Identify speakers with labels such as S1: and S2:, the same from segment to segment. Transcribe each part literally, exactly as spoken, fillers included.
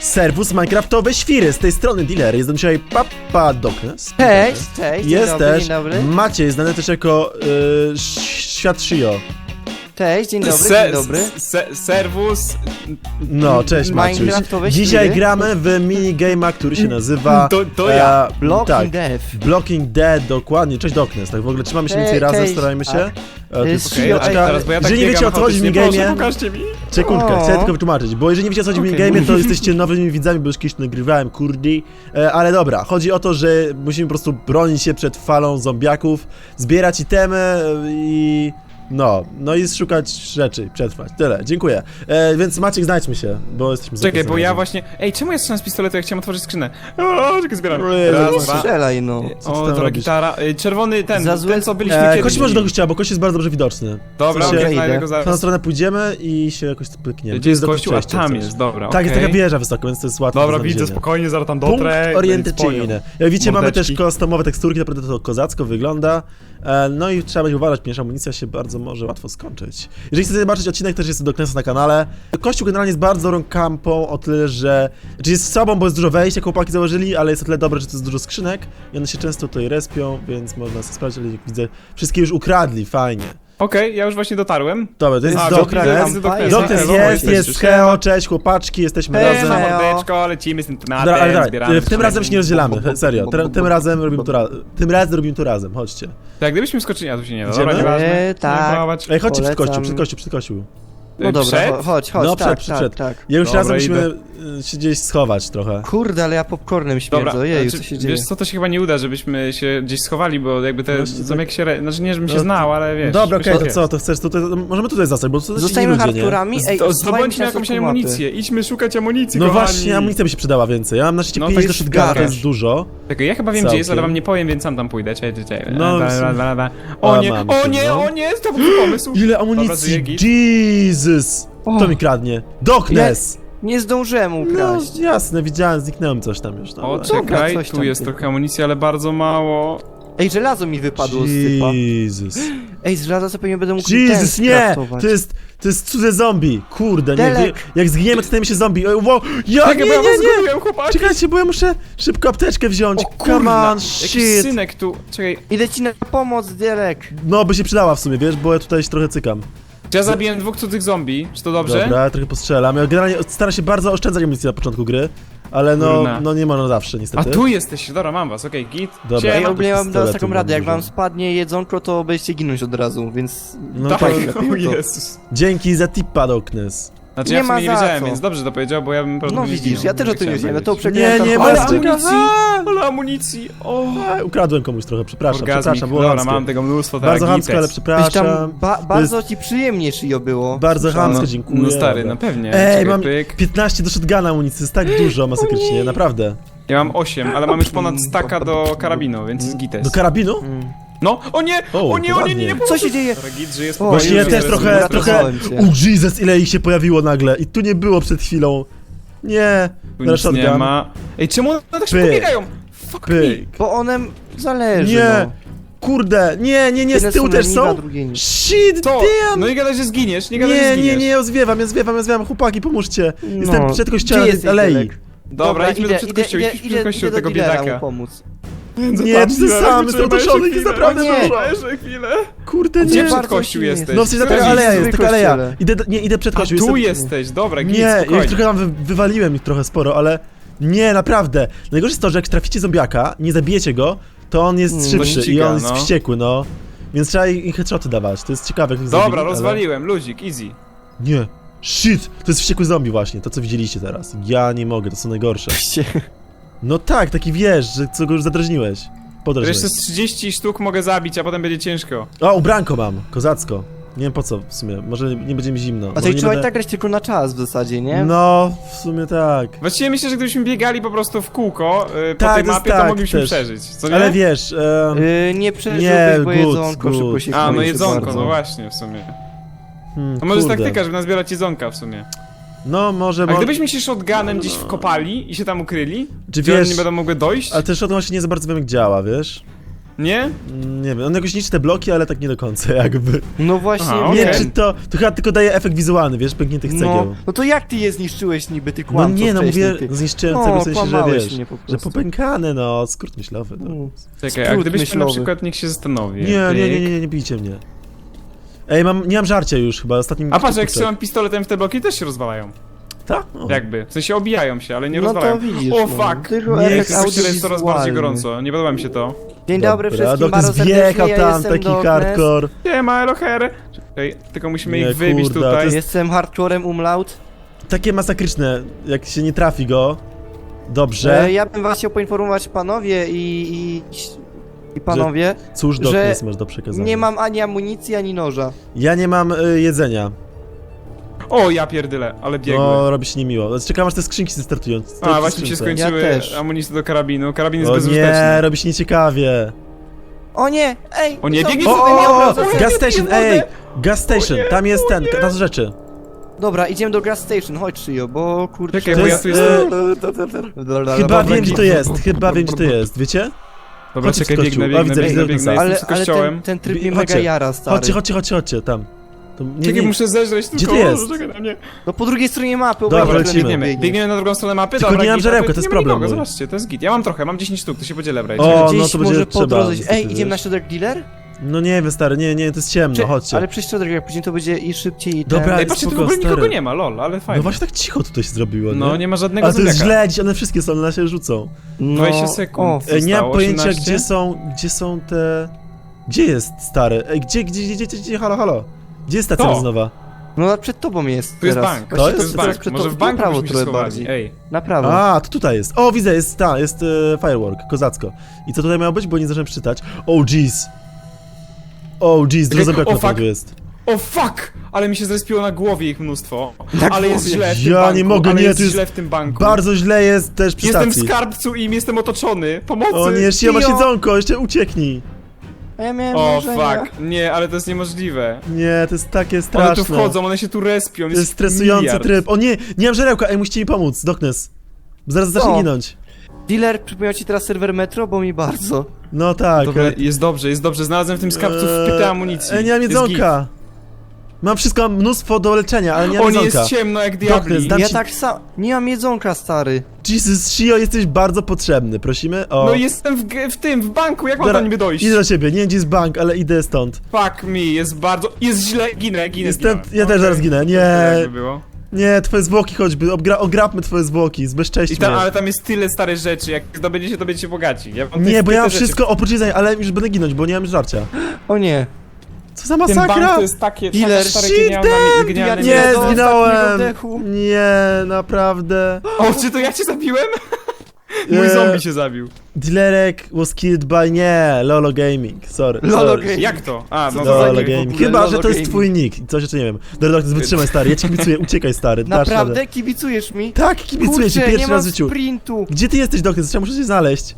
S1: Serwus Minecraftowe Świry, z tej strony Dealer, jestem dzisiaj Papa Doknes.
S2: Cześć, cześć, dzień
S1: Jest
S2: dobry,
S1: też
S2: dzień dobry.
S1: Maciej, znany też jako y, Świat Shio.
S2: Cześć, dzień dobry,
S3: Se,
S2: dzień dobry.
S3: Se, serwus.
S1: No, cześć Maciuś.
S2: Minecraftowe
S1: Dzisiaj
S2: Świry.
S1: gramy w minigame'a, który się nazywa...
S3: To, to ja.
S1: e,
S2: Blocking
S1: tak,
S2: Death.
S1: Blocking Dead, dokładnie. Cześć Doknes, tak w ogóle trzymamy się mniej więcej
S2: Cześć,
S1: razem,
S2: cześć.
S1: starajmy się.
S2: Tak.
S1: E, tylko
S2: Z
S3: Okej,
S1: chwileczkę.
S3: a teraz, bo ja tak
S1: Jeżeli nie wiecie, o co chodzi w
S3: biegam chaotycznie,
S1: minigame'ie...
S3: proszę, pokażcie mi.
S1: Sekundkę,
S2: O.
S1: chcę tylko wytłumaczyć, bo jeżeli nie wiecie o co chodzi w
S3: Okej.
S1: minigame'ie, to jesteście nowymi widzami, bo już kiedyś nagrywałem, kurdi. E, ale dobra, chodzi o to, że musimy po prostu bronić się przed falą zombiaków, zbierać itemy e, i... No, no i szukać rzeczy, przetrwać. Tyle, dziękuję. E, więc Maciek, znajdźmy się, bo jesteśmy
S3: Czekaj, bo ja
S1: zapracowani.
S3: właśnie... Ej, czemu ja strzelam z pistoletu, jak chciałem otworzyć skrzynę? O, czekaj, zbieram.
S1: Ojej,
S3: Raz,
S1: no
S3: dwa.
S2: Strzelaj no.
S1: Co ty
S3: O,
S1: tam
S3: to
S1: robisz?
S3: gitara. Ej, czerwony ten,
S2: Za złe-
S3: ten co byliśmy
S1: E,
S3: kiedyś.
S1: Kość może do gościa, bo kość jest bardzo dobrze widoczny.
S3: Dobra,
S1: W sensie-
S3: okej, znajdę go
S1: W tą
S3: zaraz.
S1: stronę pójdziemy i się jakoś pykniemy.
S3: Gdzie jest
S1: do
S3: kościół? A
S1: przejścia
S3: tam
S1: coś.
S3: jest, dobra,
S1: Tak, jest
S3: okej.
S1: taka wieża wysoko, więc to jest łatwe
S3: Dobra,
S1: do
S3: widzę,
S1: znalezienia.
S3: spokojnie, zaraz tam
S1: Punkt
S3: dotrę.
S1: orientacyjny. Jak widzicie, mamy też
S3: Mordeczki.
S1: customowe teksturki, naprawdę to kozacko wygląda. E, no i trzeba będzie uważać, ponieważ amunicja się bardzo może łatwo skończyć. Jeżeli chcecie zobaczyć odcinek, też jest do Knesa na kanale. Kościół generalnie jest bardzo dobrą kampą, o tyle, że... Znaczy jest słabą, bo jest dużo wejść, jak chłopaki założyli, ale jest o tyle dobre, że to jest dużo skrzynek i one się często tutaj respią, więc można sobie sprawdzić, ale jak widzę, wszystkie już ukradli, fajnie.
S3: Okej, ja już właśnie dotarłem.
S1: Dobra, to jest
S3: A,
S1: Doknes.
S3: widzę,
S2: Doknes.
S3: widzę Doknesa.
S1: Doknes
S3: Elo,
S1: jest,
S3: jesteście,
S1: jest,
S3: siema.
S1: heo, cześć chłopaczki, jesteśmy
S2: Hej,
S1: razem.
S2: hej.
S3: Siema, mordeczko, lecimy z tym
S1: Dobra, ale
S3: tematem,
S1: dawaj,
S3: zbieramy
S1: w tym razem się nie rozdzielamy, he- serio, tym, tym razem robimy to, ra tym razem robimy to razem, chodźcie.
S3: Tak, gdybyśmy skoczyli, a tu się nie da,
S1: Idziemy?
S3: dobra, nieważne.
S2: Eee, tak.
S3: Próbować.
S1: Ej, chodźcie przed
S2: Polecam.
S1: kościół, przed kościół, przed kościół.
S2: No dobra,
S3: Przed?
S2: cho- chodź, chodź,
S1: No,
S2: tak,
S1: przed,
S2: tak,
S1: przed.
S2: tak.
S1: Ja już
S3: Dobra,
S1: razem musimy
S3: idę.
S1: y, się gdzieś schować trochę.
S2: Kurde, ale ja popcornem śmierdzę,
S3: Dobra,
S2: ojeju,
S3: znaczy,
S2: co się dzieje?
S3: wiesz co, to się chyba nie uda, żebyśmy się gdzieś schowali, bo jakby te
S1: Właśnie tak.
S3: zombie się... re- Znaczy nie, żebym się
S1: No,
S3: znał, ale wiesz...
S1: Dobra, okej,
S3: wiesz,
S1: to co, to chcesz tutaj, to możemy tutaj zostać, bo to też
S2: Zostajemy
S1: inni ludzie, nie?
S2: hardcorami, ej,
S3: To
S2: schowajmy
S3: zdobądźmy
S2: się na
S3: jakąś
S2: środku mapy.
S3: amunicję, idźmy szukać amunicji,
S1: No
S3: kochani.
S1: właśnie, amunicja by się przydała więcej, ja mam na szczęście
S3: No,
S1: pięć
S3: to
S1: do
S3: jest
S1: shotguna, to
S3: garaż.
S1: jest dużo.
S3: Czekaj, ja chyba wiem gdzie jest, ale
S1: Całkiem.
S3: wam nie powiem, więc sam tam pójdę, czekaj, czekaj.
S1: No,
S3: Da,
S1: w sumie-
S3: da, da, da. O
S1: A,
S3: nie,
S1: mamy
S3: o
S1: tu,
S3: nie,
S1: no.
S3: o nie, to był pomysł.
S1: Ile
S3: żyje
S1: amunicji,
S3: git.
S1: Jesus! Kto
S2: O.
S1: mi kradnie? Doknes!
S2: Nie zdążyłem
S1: No
S2: ukraść.
S1: jasne, widziałem, zniknęłem coś tam już.
S3: O,
S1: Dobra.
S3: czekaj,
S2: coś
S3: tu
S2: tam
S3: jest
S2: tylko.
S3: trochę amunicji, ale bardzo mało.
S2: Ej, żelazo mi wypadło z typa.
S1: Jesus.
S2: Ej, z żelaza sobie nie będę mógł
S1: Jesus,
S2: ten
S1: nie!
S2: skraftować.
S1: To jest, to jest cudze zombie. Kurde, nie,
S2: Delek.
S1: wie- jak zginiemy, to stajemy się zombie. Ej, wow, ja,
S3: Czekaj,
S1: nie,
S3: bo ja
S1: nie,
S3: was
S1: nie!
S3: zgubiłem, chłopaki.
S1: Czekajcie, bo ja muszę szybko apteczkę wziąć.
S3: O
S1: Come
S3: kurna,
S1: on,
S3: jakiś
S1: shit.
S3: synek tu, czekaj.
S2: Idę ci na pomoc, Derek.
S1: No, by się przydała w sumie, wiesz, bo ja tutaj się trochę cykam.
S3: Czy ja zabiłem dwóch cudzych zombie, czy to dobrze?
S1: Dobra, ja trochę postrzelam. Ja generalnie staram się bardzo oszczędzać amunicji na początku gry, ale no,
S3: Kurna.
S1: no nie można zawsze,
S3: A
S1: niestety.
S3: tu jesteście, dobra, mam was, okej, git.
S1: Dobra.
S3: Siema.
S2: Ej, ogólnie ja mam
S1: pistoletu
S2: dać taką
S1: mam
S2: radę, jak
S1: dużo.
S2: wam spadnie jedzonko, to będziecie ginąć od razu, więc...
S1: No
S3: Tak,
S1: to
S3: o Jezus.
S1: dzięki za tipa, Doknes.
S3: Znaczy
S2: Nie
S3: ja w
S2: ma
S3: sumie nie
S2: za
S3: wiedziałem,
S2: co.
S3: więc dobrze to powiedział, bo ja bym po prostu
S2: No
S3: gdzieś
S2: widzisz,
S3: zginął,
S2: ja też o tym nie
S3: chciałem
S2: wiedziałem, ja to
S3: wiedzieć.
S2: przegrałem
S1: Nie, nie,
S2: tam
S3: Ale
S1: masz-
S2: chłopaka.
S3: amunicji! Ale amunicji! O!
S1: A, ukradłem komuś trochę, przepraszam,
S3: Orgazmik.
S1: przepraszam, było
S3: Dobra,
S1: chamskie.
S3: mam tego mnóstwo,
S1: Bardzo
S3: tak,
S1: chamsko, ale
S3: gites.
S2: Byś
S1: przepraszam.
S2: tam ba bardzo ci przyjemnie szyjo było.
S1: Bardzo
S2: Słyszałem.
S1: chamsko,
S3: No,
S1: dziękuję.
S3: no stary,
S1: Dobra.
S3: no pewnie.
S1: Ej,
S3: Czekaj,
S1: mam
S3: pyk.
S1: piętnaście do shotguna amunicji, jest tak dużo masakrycznie, naprawdę.
S3: Ja mam osiem, ale mam już ponad staka do karabinu, więc jest gites.
S1: Do karabinu?
S2: Mm.
S3: No, o nie,
S1: O,
S3: o nie, o nie, nie, nie,
S1: ładnie.
S2: Co się dzieje?
S3: Dobra, git, że jest
S2: O,
S1: Właśnie ja
S2: już
S1: też
S2: jest,
S1: trochę, trochę...
S2: uratowałem cię.
S1: O Jesus, ile ich się pojawiło nagle i tu nie było przed chwilą. Nie,
S3: Tu
S1: teraz
S3: nic nie
S1: shotgun.
S3: ma. Ej, czemu one tak
S1: Pyk.
S3: szybko biegają? Fuck me.
S1: Pyk.
S2: Bo one zależy,
S1: Nie,
S2: no.
S1: kurde, nie, nie, nie,
S2: Jedne
S1: z tyłu
S2: są
S1: też
S2: na niba,
S1: są?
S2: drugie nie.
S1: Shit,
S3: To,
S1: damn!
S3: no i gadaj, że zginiesz, nie gadaj, że
S1: Nie,
S3: zginiesz.
S1: nie, nie, ja zwiewam, ja zwiewam, ja zwiewam, chłopaki, pomóżcie. Jestem
S2: No.
S1: przed
S2: Gdzie
S1: kościołem
S2: jesteś,
S1: alei.
S2: Derek?
S3: Dobra, idźmy
S2: idę,
S3: do przed
S2: idę,
S3: kościół,
S2: idę,
S3: idźmy
S2: idę,
S3: do kościół
S2: idę
S3: tego
S2: do dealera mu
S3: biedaka.
S2: pomóc.
S1: Nie, ty sam, jestem otoczony, jest naprawdę
S3: nie.
S1: dużo.
S3: Jeszcze chwilę.
S1: Kurde,
S3: Gdzie
S1: nie.
S3: przed
S2: bardzo
S3: kościół
S2: silny
S3: jesteś?
S1: No w sensie
S3: Który
S1: taka
S3: jest?
S1: aleja jest,
S2: Zły
S1: taka aleja.
S2: kościele.
S1: Idę, do- nie, idę przed
S3: A
S1: kościół.
S3: tu
S1: jestem-
S3: jesteś, dobra, git,
S1: Nie, ja już
S3: spokojnie.
S1: trochę tam wy, wywaliłem ich trochę sporo, ale... Nie, naprawdę. Najgorsze jest to, że jak traficie zombiaka, nie zabijecie go, to on jest
S2: Mm,
S1: szybszy
S3: to
S1: i
S3: ściga,
S1: on jest
S3: no.
S1: wściekły, no. Więc trzeba im headshoty dawać, to jest ciekawe jak ich
S3: Dobra,
S1: zabili, ale-
S3: rozwaliłem, luzik, easy.
S1: Nie. Shit, to jest wściekły zombie właśnie, to co widzieliście teraz. Ja nie mogę, to są najgorsze. No tak, taki wiesz, że co go już zadrażniłeś. Podrażniłeś.
S3: Jeszcze z trzydzieści sztuk mogę zabić, a potem będzie ciężko.
S1: O, ubranko mam, kozacko. Nie wiem po co w sumie, może nie będzie mi zimno.
S2: A
S1: może
S2: to i
S1: nie
S2: trzeba i
S1: będę-
S2: tak grać tylko na czas w zasadzie, nie?
S1: No, w sumie tak.
S3: Właściwie myślę, że gdybyśmy biegali po prostu w kółko yy, po
S1: Tak,
S3: tej
S1: to jest
S3: mapie,
S1: tak,
S3: to moglibyśmy
S1: też.
S3: przeżyć, co nie?
S1: Ale wiesz, em,
S2: Yy, nie przeżyłbyś,
S1: Nie,
S2: bo
S1: good,
S2: jedzonko
S1: good.
S2: szybko się
S3: A, no
S2: kończy
S3: jedzonko,
S2: bardzo.
S3: no właśnie, w sumie.
S1: hmm,
S3: A może jest
S1: kurde.
S3: taktyka, żeby nazbierać jedzonka w sumie.
S1: No, może...
S3: A
S1: mo-
S3: gdybyśmy się shotgunem gdzieś wkopali i się tam ukryli,
S1: Czy
S3: gdzie one
S1: wiesz...
S3: nie będą mogły dojść?
S1: Ale też o tym właśnie nie za bardzo wiem jak działa, wiesz?
S3: Nie?
S1: Nie wiem, on jakoś niszczy te bloki, ale tak nie do końca jakby.
S2: No właśnie,
S3: Aha,
S1: Nie,
S3: okej.
S1: czy to, to chyba tylko daje efekt wizualny, wiesz, pękniętych cegieł.
S2: no, no to jak ty je zniszczyłeś niby, ty
S1: No
S2: kłamco
S1: nie, no
S2: wcześniej,
S1: mówię,
S2: ty.
S1: zniszczyłem
S2: No,
S1: cegły w sensie, że
S2: kłamałeś
S1: wiesz,
S2: mnie po
S1: że
S2: prostu.
S1: popękane, no, skrót myślowy. No.
S2: Mm.
S3: Czekaj, a
S2: Skrót
S3: gdybyśmy na
S2: myślowy.
S3: przykład, niech się zastanowi.
S1: Nie, nie, nie, nie, nie, nie bijcie mnie. Ej, mam, nie mam żarcia już chyba, ostatnim...
S3: A patrz, jak
S1: kurczę.
S3: strzelam pistoletem w te bloki, też się rozwalają.
S1: Tak? O.
S3: Jakby. W sensie obijają się, ale nie
S2: No
S3: rozwalają.
S2: to widzisz,
S3: O
S2: no.
S3: fuck!
S2: Tylko
S1: Nie,
S2: efekt
S1: jak
S3: Myślę, że jest coraz bardziej
S2: audiowizualny.
S3: gorąco. Nie podoba mi się to.
S2: Dzień dobry
S1: Dobra,
S2: wszystkim, bardzo
S1: Doknes
S2: serdecznie,
S1: wjechał
S2: ja
S1: tam,
S2: jestem
S1: taki
S2: Doknes.
S1: hardcore.
S3: Nie ma Eloher. Czekaj, tylko musimy
S1: Nie,
S3: ich wybić
S1: kurde, to
S3: tutaj.
S1: jest-
S2: Jestem hardcorem umlaut.
S1: Takie masakryczne, jak się nie trafi go. Dobrze.
S2: E, ja bym was chciał poinformować panowie i, i, i panowie,
S1: Cóż,
S2: że
S1: Doknes masz do przekazania.
S2: nie mam ani amunicji, ani noża.
S1: Ja nie mam y, jedzenia.
S3: O, ja pierdyle, ale biegły.
S1: No, robi się niemiło. Czekam aż te skrzynki się startują. Stoi
S3: A,
S1: przy
S3: właśnie mi się
S1: skrzynce.
S3: skończyły
S2: Ja też.
S3: amunicje do karabinu. Karabin jest
S1: O
S3: bezużyteczny.
S1: nie, robi się nieciekawie.
S2: O nie, ej!
S3: O nie,
S2: co-
S3: biegnie
S2: co
S1: O,
S3: sobie
S2: wy mi
S1: o, o,
S2: obracacie?
S1: gas station,
S3: nie,
S1: ej!
S3: nie,
S1: Gas station,
S3: O nie,
S1: tam jest
S3: o
S1: ten,
S3: nie.
S1: tam rzeczy.
S2: Dobra, idziemy do gas station, chodź Shio, bo kurczę...
S3: Czekaj,
S1: To
S3: bo ja
S1: jest,
S3: tu
S1: e,
S3: jestem...
S1: Chyba wiem gdzie to jest, chyba wiem gdzie to jest, wiecie?
S3: Dobra,
S1: chodźcie
S3: czekaj,
S1: w kościół.
S3: biegnę,
S1: O,
S3: biegnę,
S1: widzę,
S3: biegnę,
S1: widzę
S3: biegnę,
S1: Dognesa.
S3: jestem
S2: Ale,
S3: z
S2: ale
S3: kościołem.
S2: ten, ten tryb
S1: Bi-
S2: mnie mega
S1: chodźcie.
S2: jara, stary.
S1: Chodźcie, chodźcie, chodźcie, chodźcie, tam. To, nie,
S3: Czekaj,
S1: nie,
S3: muszę zeżreć
S1: Gdzie
S3: tylko...
S1: ty jest?
S3: Czekaj na mnie.
S2: No po drugiej stronie mapy,
S1: Dobra,
S2: obojętnie,
S1: lecimy.
S2: którędy
S3: Biegniemy,
S2: biegniesz.
S3: biegniemy na drugą stronę mapy,
S1: Tylko
S3: dobra,
S1: nie mam
S3: git,
S1: żarełka,
S3: ale
S1: to jest
S3: nie ma
S1: problem
S3: nikogo,
S1: mój.
S3: Zobaczcie, to jest git. Ja mam trochę, mam dziesięć sztuk, to się będzie lebrać.
S1: O,
S2: Gdzieś
S1: no to będzie
S2: może po
S1: trzeba,
S2: drodze...
S1: niestety,
S2: Ej, idziemy na
S1: wiesz.
S2: środek dealer?
S1: No nie wiem stary, nie, nie, to jest ciemno,
S2: Czy-
S1: chodźcie.
S2: Ale przy środek, jak później to będzie i szybciej i
S1: Dobra,
S2: ten...
S3: Ej, patrzcie, tu w
S1: spoko,
S3: ogóle nikogo
S1: stary.
S3: nie ma, lol, ale fajnie.
S1: No właśnie tak cicho tutaj się zrobiło, nie?
S3: No, nie ma żadnego
S1: Ale to jest
S3: zombiaka.
S1: źle, dziś one wszystkie są, one się rzucą.
S2: No,
S3: dwadzieścia sekund.
S2: O,
S1: Ej, nie mam
S3: Zostało
S1: pojęcia
S3: osiemnaście?
S1: gdzie są, gdzie są te... Gdzie jest stary? Ej, gdzie, gdzie, gdzie, gdzie, gdzie, halo, halo? Gdzie jest stacja
S3: To.
S1: benzynowa?
S2: no przed tobą jest
S3: Tu jest
S2: teraz.
S3: bank,
S1: To
S2: Właściwie
S1: jest-
S3: to jest
S2: teraz
S3: bank.
S2: przed
S3: Może
S2: tobą-
S3: w banku
S2: na prawo
S3: byśmy się
S2: trochę
S3: schowali.
S2: bardziej.
S3: Ej,
S2: Na prawo.
S1: A, to tutaj jest. O, widzę, jest ta, jest e, firework, kozacko. I co tutaj miało być, bo nie zdążyłem przeczytać. Oh, jeez. Oh, jeez, dużo
S3: Czekaj,
S1: zombiaków
S3: o,
S1: na
S3: fuck.
S1: pewno jest.
S3: o fuck! Ale mi się zrespiło na głowie ich mnóstwo.
S2: Na
S3: ale jest
S2: głowie.
S3: źle w tym
S1: Ja
S3: banku.
S1: nie mogę,
S3: ale
S1: nie,
S3: jest
S1: tu jest
S3: źle w tym banku.
S1: Bardzo źle jest też przy
S3: Jestem w
S1: stacji.
S3: skarbcu i jestem otoczony. Pomocy!
S1: O nie, Shio, masz
S2: Shio.
S1: jedzonko, jeszcze ucieknij.
S2: A ja miałem
S3: O
S2: marzenia.
S3: fuck, nie, ale to jest niemożliwe.
S1: Nie, to jest takie
S3: One
S1: straszne.
S3: tu wchodzą, one się tu respią.
S1: To jest stresujący
S3: miliard.
S1: tryb. O nie, nie mam żarełka, ej, musicie mi pomóc, Doknes. Zaraz zacznie
S2: Co?
S1: ginąć.
S2: Dealer, przypomniał ci teraz serwer Metro, bo mi bardzo.
S1: No tak,
S3: Dobra,
S1: ale...
S3: jest dobrze, jest dobrze. Znalazłem w tym skarbcu wpytę amunicji.
S1: Ej, nie mam
S3: Jest
S1: jedzonka. Mam wszystko, mam mnóstwo do leczenia, ale nie
S3: git.
S1: mam
S3: O, nie
S1: jedzonka.
S3: jest ciemno jak
S1: Doknes,
S3: diabli.
S1: dam
S2: ja
S1: ci-
S2: tak sam... Nie mam jedzonka, stary.
S1: Jesus, Shio, jesteś bardzo potrzebny, prosimy o...
S3: No jestem w, g- w tym, w banku, jak mam
S1: Dobra,
S3: tam niby dojść?
S1: Idę do ciebie, nie wiem gdzie jest bank, ale idę stąd.
S3: Fuck me, jest bardzo... Jest źle, ginę, ginę,
S1: Jestem,
S3: zginąłem.
S1: ja też
S3: Okej.
S1: zaraz ginę, nie,
S3: Jakby było.
S1: nie, twoje zwłoki choćby, obgra, ograbmy twoje zwłoki,
S3: I
S1: zbezcześćmy.
S3: ta, ale tam jest tyle starych rzeczy, jak zdobędziecie, to będziecie bogaci. Ja mam
S1: Nie,
S3: te
S1: bo ja mam
S3: wpyte rzeczy.
S1: wszystko oprócz jedzenia, ale już będę ginąć, bo nie mam żarcia.
S2: O nie.
S1: Co za
S3: Ten bank
S1: masakra?
S3: to jest takie, takie
S2: Dealer,
S3: stare,
S1: shit,
S3: genialne,
S1: damn,
S3: genialne
S1: Nie,
S2: do
S3: miasto.
S2: ostatniego
S1: zginąłem!
S2: oddechu.
S1: Nie, naprawdę.
S3: O, czy to ja cię zabiłem? Mój
S1: Nie.
S3: zombie się zabił.
S1: Dealerek was killed by... nie, Lolo Gaming, sorry.
S2: Lolo
S1: sorry.
S2: Gaming.
S3: Jak to? A, no
S2: Co to za
S3: to
S1: Lolo
S2: nick w
S1: Gaming.
S2: ogóle?
S1: Chyba,
S2: Lolo
S1: że to jest
S2: Gaming.
S1: twój nick. Coś jeszcze nie wiem. Dobra, Doknes, wytrzymaj stary, ja ci kibicuję, uciekaj stary, dasz radę.
S2: Naprawdę? Kibicujesz mi?
S1: Tak, kibicuję ci
S2: Kurczę,
S1: pierwszy
S2: nie
S1: raz w
S2: mam
S1: życiu.
S2: sprintu.
S1: Gdzie ty jesteś, Doknes? Trzeba muszę cię znaleźć.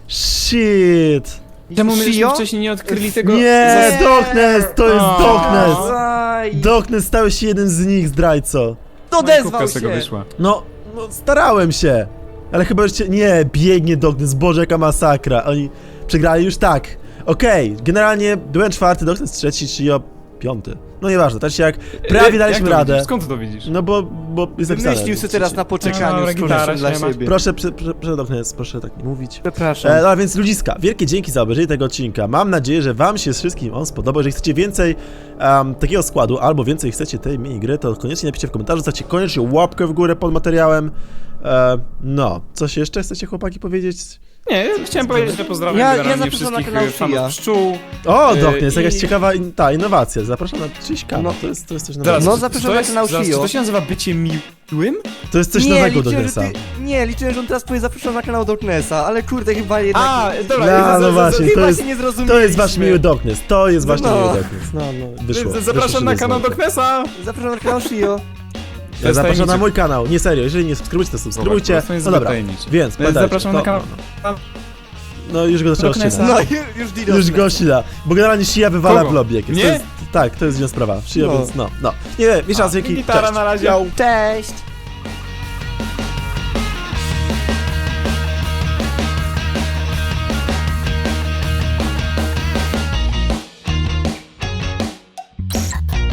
S1: Shit.
S3: Czemu myśmy
S2: Shio?
S3: wcześniej nie odkryli tego?
S1: Nie,
S2: Nie.
S1: Doknes, to jest
S3: O.
S1: Doknes.
S2: Zaj.
S1: Doknes, stałeś się jednym z nich, zdrajco.
S2: Odezwał
S3: z tego
S2: się.
S3: wyszła.
S1: No, no, starałem się. Ale chyba już cię... Nie, biegnie Doknes, Boże, jaka masakra. Oni przegrali już tak. Okej, generalnie byłem czwarty, Doknes trzeci, Shio piąty. No nieważne, tak się jak prawie
S3: Jak
S1: daliśmy
S3: to
S1: radę.
S3: widzisz? Skąd ty to widzisz?
S1: No bo, bo jest napisane.
S2: Wymyślił sobie teraz na poczekaniu
S3: Dobra,
S2: z
S3: gitara
S2: korzystnym dla
S3: się ma.
S2: siebie.
S1: Proszę, prze, prze, prze Doknes, proszę tak nie mówić.
S2: Przepraszam.
S1: E, no a więc ludziska, wielkie dzięki za obejrzenie tego odcinka. Mam nadzieję, że wam się wszystkim on spodobał. Jeżeli chcecie więcej um, takiego składu, albo więcej chcecie tej minigry, to koniecznie napiszcie w komentarzu, zostawcie koniecznie łapkę w górę pod materiałem. E, no, coś jeszcze chcecie chłopaki powiedzieć?
S3: Nie, chciałem powiedzieć, że pozdrawiam
S2: Ja- ja
S3: generalnie
S2: zapraszam na
S3: wszystkich
S2: kanał
S3: e, fanów
S2: Shia.
S3: pszczół.
S1: O,
S3: E,
S1: Doknes,
S3: i-
S1: jakaś ciekawa in, ta innowacja. Zapraszam na czyjś kanał,
S2: No.
S1: to, jest, to jest coś
S3: Zaraz,
S1: nowego.
S2: No,
S3: czy-
S2: zapraszam
S3: to
S2: na
S3: jest-
S2: kanał
S3: zaraz, Czy
S2: Shio.
S3: to się nazywa bycie miłym?
S1: To jest coś
S2: nie,
S1: nowego
S2: liczyłem,
S1: Doknesa.
S2: że ty, nie, liczyłem, że on teraz powie zapraszam na kanał Doknesa, ale kurde, chyba jednak...
S3: A, dobra,
S1: No,
S3: za-
S1: no
S3: za- za-
S1: właśnie,
S2: chyba
S1: to jest,
S2: się nie zrozumieliśmy.
S1: to jest wasz miły Doknes, to jest właśnie
S2: No.
S1: miły Doknes. No, no, wyszło.
S3: z-
S1: wyszło
S3: Zapraszam
S1: się
S3: na
S1: do
S3: kanał
S1: znaka.
S3: Doknesa!
S2: Zapraszam na kanał Shio.
S3: To jest
S1: Zapraszam na
S3: tajemniczy.
S1: mój kanał, nie serio, jeżeli nie subskrybujcie, to subskrybujcie.
S3: Zobacz, to jest
S1: No
S3: zbyt
S1: dobra,
S3: tajemnicze.
S1: więc
S3: E,
S1: pamiętajcie,
S3: Zapraszam
S1: to-
S3: na kanał...
S1: No już go zaczęło
S3: Doknesa.
S1: ścinać.
S2: No, już Dino.
S1: Już go ścina, bo generalnie Shia wywala
S3: Kogo?
S1: w lobby jakieś.
S3: Nie?
S1: To jest, tak, to jest inna sprawa. Shia,
S2: No.
S1: więc no, no. Nie wiem, wiesz raz, jaki...
S3: Gitara
S1: Cześć.
S3: na razie.
S1: Ciao.
S2: Cześć.